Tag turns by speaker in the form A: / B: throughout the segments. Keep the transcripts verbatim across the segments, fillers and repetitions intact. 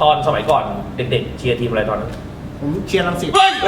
A: ตอนสมัยก่อนเด็กๆเชียร์ทีมอะไรตอนนั้น
B: ผมเชียร์รังสิต
A: เฮ้ย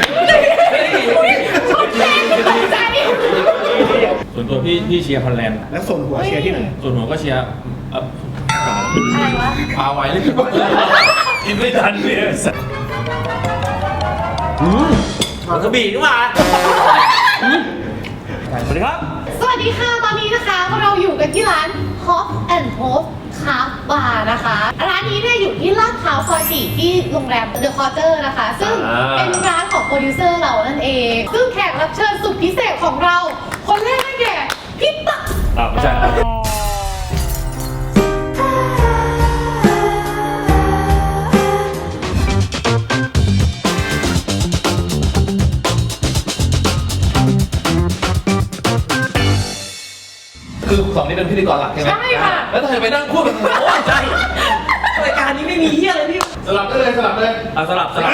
C: ส่วนตัวพี่พี่เชียร์ฮอลแลนด์
B: แล้วส่วนหัวเชียร์ที่ไหน
C: ส่วนหัวก็เชียร์
D: อะไรวะ
C: พาไว้เลย
A: กินไม่ทันเนี่ยอืมกระบี่นี่หว่าสวัสดีครับ
D: สวัสดีค่ะตอนนี้นะคะเราอยู่กันที่ร้าน Hop and Hop Craft Bar นะคะร้านนี้เนี่ยอยู่ที่ลาดพร้าวซอยสี่ที่โรงแรม The Quarter นะคะซึ่งเป็นร้านของโปรดิวเซอร์เรานั่นเองซึ่งแขกรับเชิญสุดพิเศษของเราคนแรกนั่นแก่พี่ตั๊ก
A: อ่าไม่ใช่คือสองนี้เป็นพิธีกรหลักใช่ไหม
D: ใช่ค่ะ
A: แล้วทำไมไปนั่งพูดกันโอ้ใช่รายการนี้ไม่มีเฮียอะไรพี่
C: สลับได้เลยสลับเลย
A: อ่ะสลับสลับ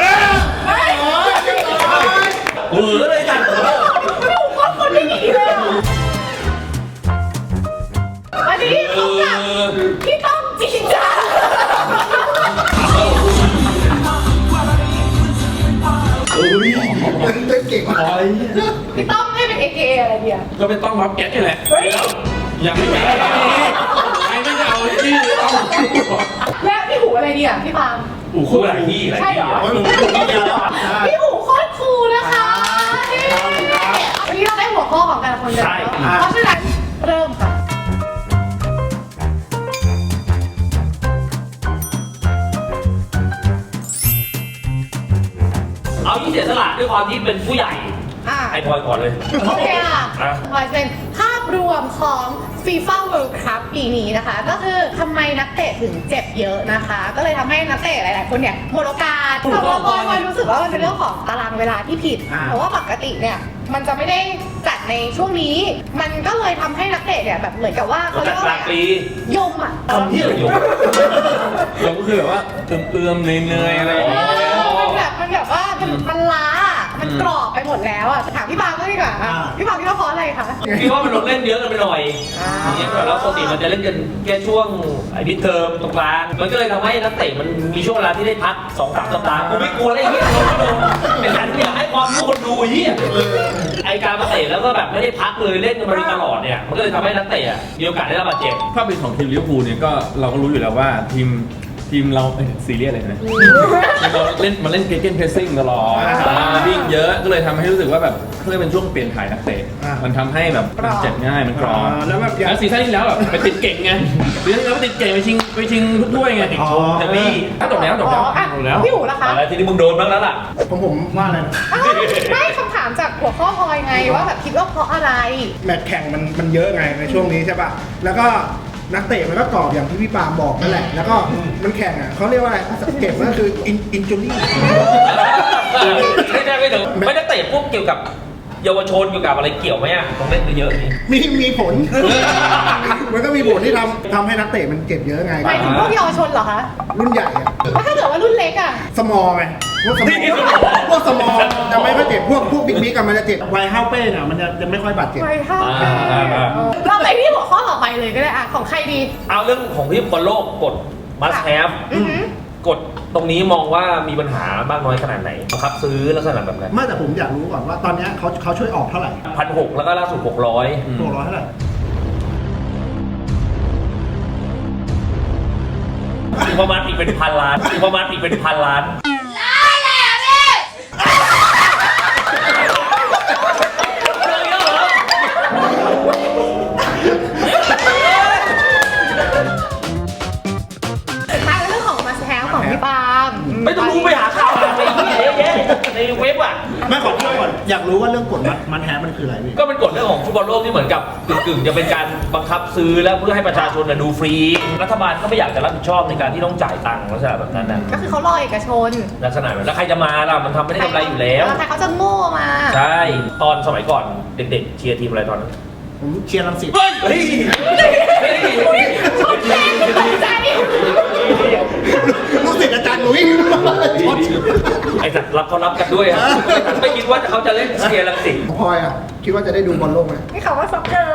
A: เออเลยกัน
D: ไม่รู้คนคนไม่ดีเลยอันนี้เขาแบบพี่ต้องจริงจัง
B: โอ้ยเต้นเก่งอะไร
D: พี่ต้องให้เป็นเอเกอะไรเดียว
C: ก็เป็นต้องรับแก๊สนี่แหละยังไม่แก๊สใครไม่จะเอาที่ต้อง
D: และพี่หูอะไรเดียวพี่ปาม
A: หูคู่หลายที่
D: ใช่เหรอพี่หูโคตรคูลนะคะวันนี้เราได้หัวข้อของแต่ละคนเลยเพราะฉะนั้นเริ่มค่ะ
A: เอาที่เสียสละด้วยความที่เป็นผู้ใหญ่ไอ้พลอยก่อนเลย
D: โอเคค่ะพลอยเป็นภาพรวมของ FIFA World Cup ปีนี้นะคะก็คือทำไมนักเตะถึงเจ็บเยอะนะคะก็เลยทำให้นักเตะหลายๆคนเนี่ยหมดโอกาสแต่ว่าพลอยรู้สึกว่ามันเป็นเรื่องของตารางเวลาที่ผิดเพราะว่าปกติเนี่ยมันจะไม่ได้จัดในช่วงนี้มันก็เลยทำให้นักเตะเนี่ยแบบเหมือนกับว่าเขาเรียกว่าอะไรยมอ่ะ
A: ทำที่อะไรยม
C: ยมก็คือแบบว่าเติมๆเนื่อยๆอะไรอย่างเงี้ย
D: มันแบบมันแบบว่ามันล้ามันกรอบไปหมดแล้วอ่ะถามพี่บางก็ดีกว่าพี่บางคิดว่าเพราะอะไรคะ
A: คิดว่ามันลงเล่นเยอะกันไปหน่อยอย่างเงี้ยแล้วปกติมันจะเล่นกันแค่ช่วงไอ้มิดเทอมตรงกลางมันก็เลยทำให้นักเตะมันมีช่วงเวลาที่ได้พักสองสามสัปดาห์กูไม่กลัวเลยเฮียเป็นการที่อยากให้ความรู้คนดูเฮียไอการมาเตะแล้วก็แบบไม่ได้พักเลยเล่นกันมาตลอดเนี่ยมันก็เลยทำให้นักเตะมีโอกาสได้รับบาดเจ็บ
C: ถ้าเป็นของทีมลิเวอร์พูลเนี่ยก็เราก็รู้อยู่แล้วว่าทีมทีมเราซีเรียสเลยนะเราเล่นมันเล่นเกมเพรสซิ่งตลอดวิ่งเยอะก็เลยทำให้รู้สึกว่าแบบเพื่อเป็นช่วงเปลี่ยนถ่ายนักเตะมันทำให้แบบเจ็บง่ายมันกรอบ
B: แล้วแบบ
C: แล้วซีซั่นที่แล้วแบบไปติดเก่งไงซีซั่นที่แล้วไปติดเก่งไปชิงไปชิงทุกถ้วยไงติดโชว์แต่พี่ถ้าจบแล้วจบแล้วจบแล้ว
D: พี่หูล่ะคะ
A: อะไรทีนี้มึงโดนบ้างแล้วล่ะ
B: ผมผมว่าอะไร
D: ไม่คำถามจากหัวข้อพลอยไงว่าแบบคิดว่าเพราะอะไร
B: แมตช์แข่งมันมันเยอะไงในช่วงนี้ใช่ป่ะแล้วก็นักเตะมันก็กรอบอย่างที่พี่ปาล์มบอกนั่นแหละแล้วก็มันแข่งอ่ะเขาเรียกว่าอะไรเจ็บก็คืออินจูรี่
A: ไม่ได้ไม่ถึงไม่ได้เตะพวกเกี่ยวกับเยาวชนเกี่ยวกับอะไรเกี่ยวไหมอ่ะต้องเล่นเยอะนี่
B: มีมีผลมันก็มีผลที่ทำทำให้นักเตะมันเจ็บเยอะไง
D: หมายถึงพวกเยาวชนเหรอคะ
B: รุ่นใหญ่อะ
D: แล้วถ้าเกิดว่ารุ่นเล็กอ่ะ
B: สมอลไงพวกสมอลพวกสมอลจะไม่ค่อยเจ็บพวกพวกบิ๊กบิ๊กกันมันจะเจ็บไวห้าวเป้เนี่ยมันจะจะไม่ค่อยบาดเจ็บ
D: ไวห้าวเป้เราไปที่หัวข้อต่อไปเลยก็ได้อ่ะของใครดี
A: เอาเรื่องของที่บอลโลกกดมัสแฮฟกดตรงนี้มองว่ามีปัญหามากน้อยขนาดไหนครับซื้อลักษณะแบบไหน
B: ไม่แต่ผมอยากรู้ก่อนว่าตอนนี้เขาเขาช่วยออกเท่าไหร่
A: พันหกแล้วก็ล่าสุดหกร้อย
B: หกร้อยเท่าไหร่
A: ประมาณอีกเป็นพันล้านประมาณอีกเป็นพันล้าน
D: พี่ปาล์ม
A: ไม่ต้องรู้ไปหาข่าวอะไรเยอะแยะในเว็บอ่ะ
B: ไม่ขอที่ก่อนอยากรู้ว่าเรื่องกฎมันแท้มันคืออะไรพี่
A: ก็เป็นกฎเรื่องของฟุตบอลโลกที่เหมือนกับกึ่งๆจะเป็นการบังคับซื้อแล้วเพื่อให้ประชาชนดูฟรีรัฐบาลก็ไม่อยากจะรับผิดชอบในการที่ต้องจ่ายตังค์ลักษณะแบบนั้นนะ
D: ก็คือเขารอเอกชน
A: ลักษณะแบบแล้วใครจะมาล่ะมันทำไม่ได้กำไรอยู่แล้ว
D: ใครเขาจะโง่มา
A: ใช่ตอนสมัยก่อนเด็กๆเชียร์ทีมอะไรตอนนั้น
B: ผมเชียร์รังสิต
A: เฮ้ย
B: ลูกศิษย์อาจารย์หนุ่ย
A: ไอ้สัตว์รับเขารับกันด้วยครับไม่คิดว่าเขาจะเล่นเชียร์รังสิต
B: พลอยอ่ะคิดว่าจะได้ดูบอลโลกไหม
D: นี่เขาว่าซ็อกเกอร์เนี่ย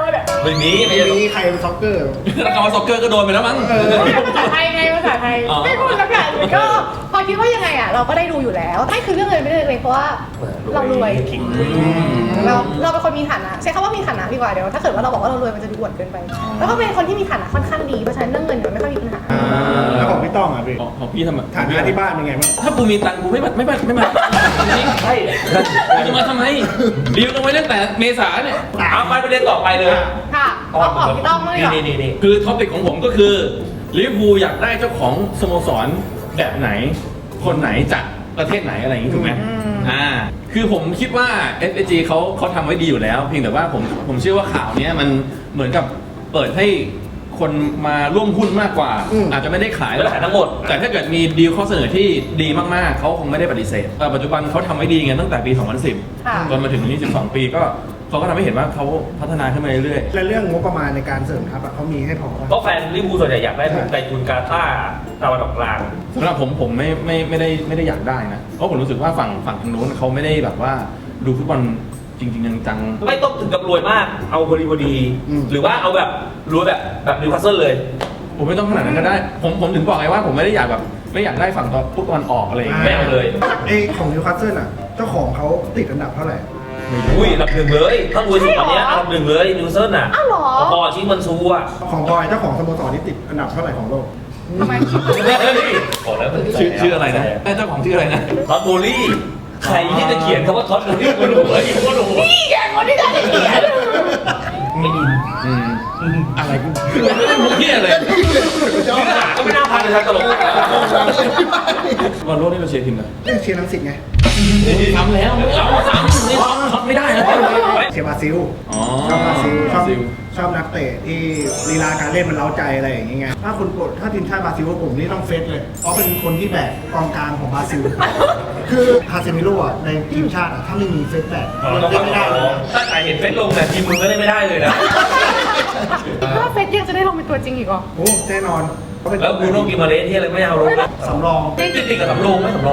A: ไม่มีไม่
B: ไม่
A: ใช่
B: มีใครเป็นซ็อกเกอร์
C: แล้วคำว่าซ็อกเกอร์ก็โดนไปแล้วมั้ง
B: เออ
D: ภาษาไทยไงภาษาไทย
C: อ๋อ
D: ไม่พูดสักอย่างเลยก็พอคิดว่ายังไงอ่ะเราก็ได้ดูอยู่แล้วไม่คือเรื่องเงินไม่ได้เลยเพราะว่าเรารวย
A: คิง
D: เราเราเป็นคนมีฐานะใช้คำว่ามีฐานะดีกว่าเดี๋ยวถ้าเกิดว่าเราบอกว่าเรารวยมันจะดูอวดเกินไป แล้วก็เป็นคนที่มีฐานะค่อนข้างดีเพราะฉะนั้นเรื่องเงินเนี่ยไม่ค่อยมีปัญหา
B: แล้วของพี่ต้องอ่ะพี่
C: ของของพี่ทำไม
B: ฐานะที่บ้านเป็นไงบ้าง
C: ถ้ากูมีตังค์กูไม่มาไม่มาไม่มาจริง
A: ใช่
C: กูจะมาทำไมดีลกันไว้ตั้งแต่เมษาเนี่ย
A: เอาไปประเด็นต่อไปเลย
D: ค่ะเอาของพี่ต้องเลยเหรอ
A: นี่นี่นี่
C: คือท็อปิกของผมก็คือลิเวอร์พูลอยากได้เจ้าของสโมสรแบบไหน คนไหนจากประเทศไหนอะไรอย่างนี้ถูกไหมอ่าคือผมคิดว่า เอฟ เอ จี เขาเขาทำไว้ดีอยู่แล้ว เพียงแต่ว่าผมผมเชื่อว่าข่าวเนี้ยมันเหมือนกับเปิดให้คนมาร่วมหุ้นมากกว่า อาจจะไม่ได้ขาย
A: ไม่ได้ขายทั้งหมด
C: แต่ถ้าเกิดมีดีลข้อเสนอที่ดีมากๆเขาคงไม่ได้ปฏิเสธแต่ปัจจุบันเขาทำไว้ดีไงตั้งแต่ปี สองพันสิบ
D: ค่ะ
C: จนมาถึงนี้สิบสองปีก็เขาก็ทำให้เห็นว่าเขาพัฒนาขึ้นมาเรื่อย
B: และเรื่องงบประมาณในการเสริมทัพอะเขามีให้พอปะ
A: เพราะแฟนลิเวอร์พูลส่วนใหญ่อยากได้ในทุนกาตาร์ตะวันออกกลาง
C: ๆสำหรับผมผมไม่ไม่ไม่ได้ไม่ได้อยากได้นะเพราะผมรู้สึกว่าฝั่งฝั่งทางนู้นเขาไม่ได้แบบว่าดูฟุตบอลจริงๆจังๆ
A: ไม่ต้องถึงกับรวยมาก เอาพอดีพอดี หรือว่าเอาแบบรวยแบบแบบนิวคาสเซิลเลย
C: ผมไม่ต้องขนาดนั้นก็ได้ ผมผมถึงบอกไงว่าผมไม่ได้อยากแบบไม่อยากได้ฝั่งตอนฟุตบอลออกอะไรอย่าง
A: ไม่
C: เงี้ย
A: เอาเลย
B: ไอ้ของนิวคาสเซิลอ่ะเจ้าของเขาติดอันดับเท่าไหร่
A: อุ้ยอันดับหนึ่งเลยถ้ารวยสุดตอนเนี้ยอันดับหนึ่งเลยนิวคาสเซิลน่ะ
D: อ้าวเหรอ
A: พอชิงมันซูอ่ะ
B: ของบอยเจ้าของสโมสรนี่ติดอันดับเท่าไหร่ของโลก
D: ทำไม
A: บอกแล้ว
C: ชื่อชื่ออะไรนะไอ้เจ้าของชื่ออะไรนะ
A: ท็อตโบลี่ใครที่จะเขียนคำว่าท็อตโบลี่ก็รู้ไอ้ก็รู้
D: นี่แกคนที่จะได้เขียน
A: ไม่ยิน
C: อืมอะไรกูไม่ได้มุกเหี้ยเลย
A: เนื้อหาก็ไม่น่าพาไปทางตลก
C: บอลโลกนี่เราเชียร์ทีมอะไร
B: เรื่องเชียร์น้ำสิทธิ์ไง
C: ทำแล้วไม่เอาซ้ำนี่ท็อปไม่ได้นะ
B: เชียร์บราซิล
C: อ๋อ
B: ชอบบราซิลช
C: บ
B: อบ
C: ราซิล
B: ชอบนักเตะที่ลีลาการเล่นมันเล้าใจอะไรอย่างเงี้ยถ้าคนกดถ้าทีมชาติบราซิลผมนี่ต้องเฟซเลยเพราะเป็นคนที่แบกกองกลางของบราซิล คือคาเซมิโร่อะในทีมชาติอะถ้าไม่มีเฟซแบกมันเล่นไม่ได้เลยนะ
A: ถ้าใครเห็นเฟซลงเนี่ยทีมมึงก็เล่นไม่ได้เลยนะ
D: ว่าเฟซยังจะได้ลงเป็นตัวจริงอีกเหรอ
B: โอ้แน่นอนเขาเป็น
A: แล้วบูโน่กิมาเรสที่อะไรไม่เอาลงนะ
B: สำรอง
A: ติดติดกับสำโรงไหมสำโรง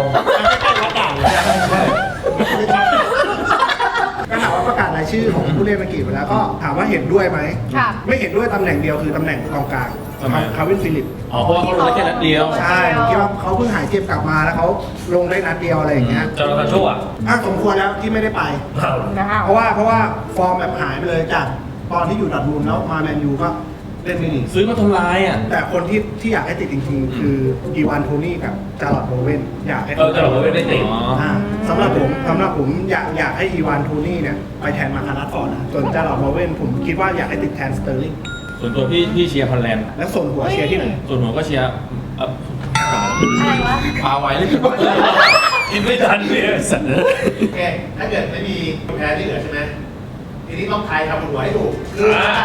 B: ก็ถามว่าประกาศรายชื่อของผู้เล่นอังกฤษไปแล้วก็ถามว่าเห็นด้วยไหม
D: ค่ะ
B: ไม่เห็นด้วยตำแหน่งเดียวคือตำแหน่งกองกลาง
C: ทำไม
B: คาร์วินฟิลิป
C: อ๋อเพราะว่าเขาลงได้แค่นัดเดียว
B: ใช่ผมคิดว่าเขาเพิ่งหายเจ็บกลับมาแล้วเขาลงได้นัดเดียวอะไรอย่างเงี้ย
A: จอร์แดนชั่ว
B: อ่ะสมควรแล้วที่ไม่ได้ไป
D: นะคะ
B: เพราะว่าเพราะว่าฟอร์มแบบหายไปเลยจากตอนที่อยู่ดอร์ทมุนด์แล้วมาแมนยูก็เล่นไม่ดี
C: ซื้อมาทำลายอ่ะ
B: แต่คนที่ที่อยากให้ติดจริงๆ คืออีวานโทนี่กับจาร์ลอตโบเวนอยากให้
A: เออจอร์แดนชั่วไม่ได้ติด
C: อ๋อ
B: อ่าสำหรับผมสำหรับผมอยากอยากให้อีวานโทนี่เนี่ยไปแทนมาคารัสฟอร์ดนะส่วนจาร์ลอตโบเวนผมคิดว่าอยากให้ติดแทนสเตอร์ลิง
C: ส่วนตัวพี่พี่เชียร์ฮอลแลนด์
B: แล้วส่วนหัวเชียร์ที่ไหน
C: ส่วนผมก็เชียร์เอ่อ
D: อะไรวะ
C: พาไว้เลย
A: กินไม่ทันเนี่ย
C: สัตว์
E: โอเค ถ้าเกิดไม่มีแพ้ที่เหลือใช่ไหม ทีนี้ต้องทายคำบนหัวให้ถูกคือ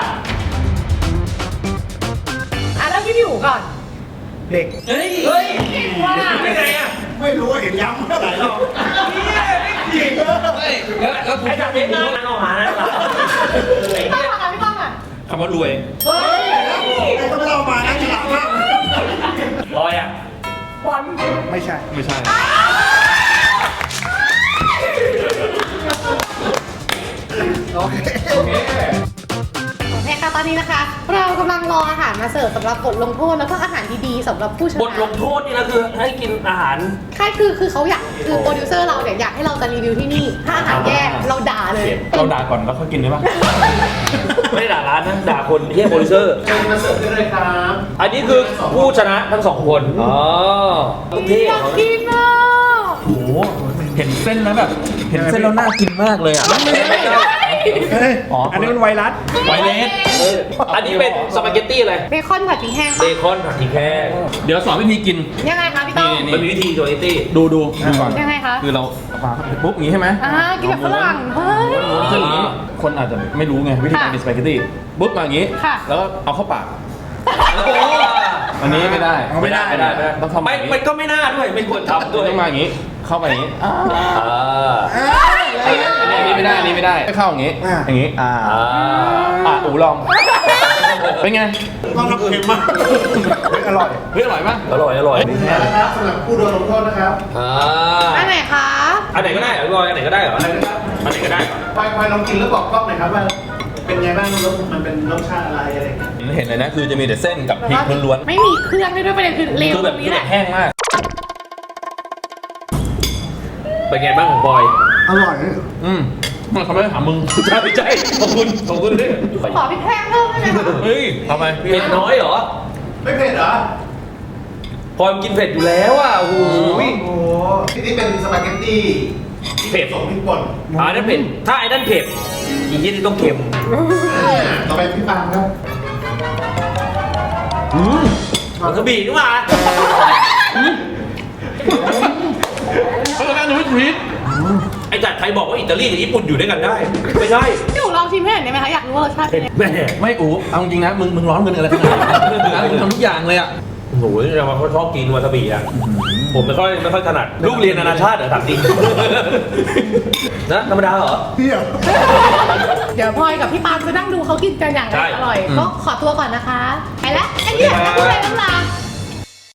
D: อ่ะแล้วพี่อยู่ก่อน
B: เด็ก
A: เฮ้ยเฮ้ย
D: ว่า
A: ไม่ไงอ่ะ
B: ไม่รู้ว่าเห็นย้ำเมื่อไหร่หรอก
A: จริงแล้วแล้วไอ้จากเป็นนั่งออกมานะ
D: พี่ต้องอ่ะพี่ต้องอ่ะ
C: คำว่ารวย
A: เฮ้ย
B: ไอ้ก็ไม่เล่ามานะฉลาดมาก
A: ลอยอ่ะ
D: บอล
B: ไม่ใช่
C: ไม่ใช่
B: โอเค
D: โอเคค่ะตอนนี้นะคะ เรากำลังรออาหารมาเสิร์ฟสำหรับบทลงโทษแล้วก็อาหารดีๆสำหรับผู้ชนะ
A: บทลงโทษนี่นะคือให้กินอาหาร
D: ใช่คือคือเขาอยากคือโปรดิวเซอร์เราเนี่ยอยากให้เราจะรีวิวที่นี่ ถ้าอาหารแย่เราด่าเลย
C: เราด่าก่อนแล้วค่อยกินได้ปะ
A: ไม่ได้ด่าร้านนะด่าคนที่ให้โปรดิวเซอร์
E: เชิญมาเสิร์ฟได้เลยครับ
A: อันนี้คือผู้ชนะทั้งสองคนอ๋อเท่
D: อยากกินอ่ะ
C: โอ้โหเห็นเส้นแล้วแบบ เห็นเส้นแล้วน่ากินมากเลยอ่ะ
B: เฮ้ย
C: อ๋ออั
B: อันนี้มันไวรัส
C: ไวเลส
A: อันนี้เป็นสปาเกตตี้อะไร
D: เบคอนผัดพริกแห้ง
A: เบ
D: ปะ
A: คอนผัดพริกแห้ง
C: เดี๋ยวสอนวิธีกิน
D: ยังไงคะพี่ต้อง
C: นี่
A: มันมีวิธีสปาเกตตี้
C: ดูดูดูก่อน
D: ยังไงคะ
C: คือเราเอาปลาปุ๊บอย่างนี้ใช่ไหม
D: อ่ากินแบบฝรั่งเฮ้ย
C: ม้วนขึ้นอย่างนี้ คนอาจจะไม่รู้ไงวิธีการกินสปาเกตตี้ปุ๊บมาอย่างนี้
D: ค่ะ
C: แล้วก็เอาเข้าปาก อันนี้ไม่ได้
B: เอาไม่ได้
C: ไม่ได้ไม่ได้ต้องทำ
A: ไม่มันก็ไม่น่าด้วยไม่ควรทำด้วย
C: ต้องมาอย่างนี้ เข้าไปอย่างนี้อ่า
A: อ่า
C: อันนี้อันนี้ไม่ได้อันนี้ไม่ได้ไม่เข้าอย่างนี้
B: อ่า
C: อย่างนี้อ่า
A: อ่า
C: อ่าอูลอง เป็นไง
B: ต้องทำเค็มมากเฮ้ยอร่อย
C: เฮ้ยอร่อยปะ
A: อร่อยอร่อย
E: นะครับสำหรับผู้โดนลงโทษนะครับ
A: อ่า
D: อันไหนคะ
A: อันไหนก็ได้เหรอพี่บอยอันไหนก็ได้เหรอ
E: อะไรนะครับ
A: อันไหนก็ได้เหรอ
E: พลอยพลอยลองกินแล้วบอกกล้องหน่อยครับว่าเป็นไงบ้างรสมันเป็นรสชาติอะไรอะไรอย่างเงี้ย
C: เห็นเลยนะคือจะมีแต่เส้นกับพริกล้วน
D: ไม่มีเครื่องด้วยด้วยประเด็นคือ
C: ๆ
D: เร็ว
C: คือ
D: ต
C: แบ
D: ร
C: บ
D: ง
C: คื
D: นี้
C: อ
D: แห
C: แบ
D: ละ
C: บแห้งมาก
A: เป็นไงบ้างของบอย
B: อร่อย
C: อืมมันเขาไม่ได้ถามมึง
A: ใช่ไม่ใช่ขอบคุณขอบคุณด้วย
D: ขอพี่แพงเพิ่มได้ไหมคะ
C: เฮ้ยทำไมพี่
A: เผ็ดน้อยเหรอ
E: ไม่เผ็ดเหรอ
A: พอยมันกินเผ็ดอยู่แล้วอ่ะโอ้โห
B: โอ้โห
E: ที่นี่เป็นสปาเกตตี้
A: เผ็ด
E: ส่งพริกป่น
A: อ่านั่นเผ็ดถ้าไอ้นั่นเผ็ดอีกยี่นี่ต้องเค็ม
E: อ่าต่อไปพี่ปาล์มครับ
A: อืมมันกระบี่นี่หว่า
C: เขาจะนั่งดูวิถี
A: ไอ้จัดใครบอกว่าอิตาลีกับญี่ปุ่นอยู่ด้วยกันได้ ไม่ใช่
D: หนูลองชิมให้หน่อยได้ไหมคะอยากรู้ว่ารสชาติเป็นยังไง
A: แม่
C: ไม่อู๋เอาจริงนะมึงมึงร้อนเงินอะไรขนาดนั้นมึงทำทุกอย่างเลยอ่ะ
A: โอ้โหเรามาชอบกินวาซาบิอ่ะผมไม่ค่อยไม่ค่อยถนัดลูกเรียนนานาชาติเหรอถามจริงนะธรรมดาเหรอ
B: เที่ยว
D: เดี๋ยวพลอยกับพี่ปาล์มจะนั่งดูเขากินกันอย่าง
A: ใช่
D: อร่อยก็ขอตัวก่อนนะคะ ไปแล้วไอ้เนี่ยพูดอะไรน้ำลา